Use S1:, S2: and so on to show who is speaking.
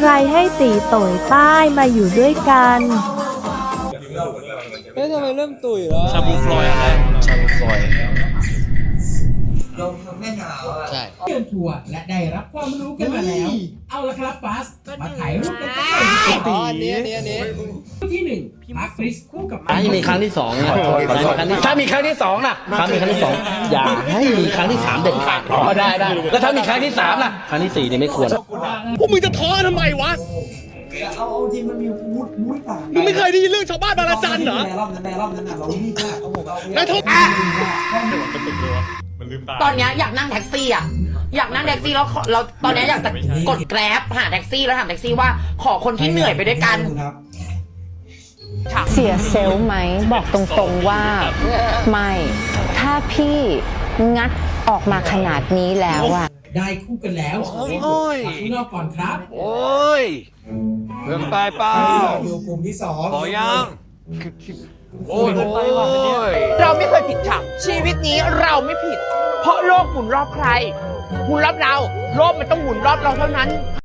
S1: รให้ตีโต่ยใต้มาอยู่ด้วยกัน
S2: เฮ้ยทำไมเริ่มตุ๋ยแล้ว
S3: ชาบูฟลอยอะไรชาบูฟลอย
S4: ลมแม่หนาวอ่ะ
S3: ใช่
S5: เดินทัวร์และได้รับความรู้กันมาแล้ว เอาละครับบัสมาถ่ายรูปกันสักหน่อยดีก
S2: อ๋อ
S5: ว่า
S2: อันนี้
S5: คู่ที่หนึ่งมาร์คคริสคู่กับ
S6: ให้มีครั้งที่สองนะถ้ามีครั้งที่สองนะถ้ามีครั้งที่สองอย่าให้มีครั้งที่สามเด็ดขาดอ๋อได้แล้วถ้ามีครั้งที่สามล่ะครั้งที่สี่นี่ไม่ควร
S3: พวกมึงจะท้อทำไมวะ
S4: เอาจริงมันมีมูดต่าง
S3: มึงไม่เคยได้ยินเรื่องชาวบ้านบางระจันเหรอ
S4: ในรอบนั้นอ่ะเรารีบมากเขาบอกเรา
S3: นายทบ
S7: ตอนเนี้ยอยากนั่งแท็กซี่อ่ะอยากนั่งแท็กซี่แล้วเราตอนเนี้ยอยากจะกดแกร็บหาแท็กซี่แล้วถามแท็กซี่ว่าขอคนที่เหนื่อยไปด้วยกัน
S8: เสียเซลล์ไหมบอกตรงๆว่าไม่ ถ้าพี่งัดออกมาขนาดนี้แล้วอะ
S5: ได้คู่กันแล้วมาข้างนอกก่อนครับ
S3: โอ้ยเรื่องตายเปล่า
S4: ดูกลุ่มที่สอง
S3: ขอยังโอ้ย
S7: เราไม่เคยผิดค่ะชีวิตนี้เราไม่ผิด เพราะโลกหมุนรอบใครหมุนรอบเราโลกมันต้องหมุนรอบเราเท่านั้น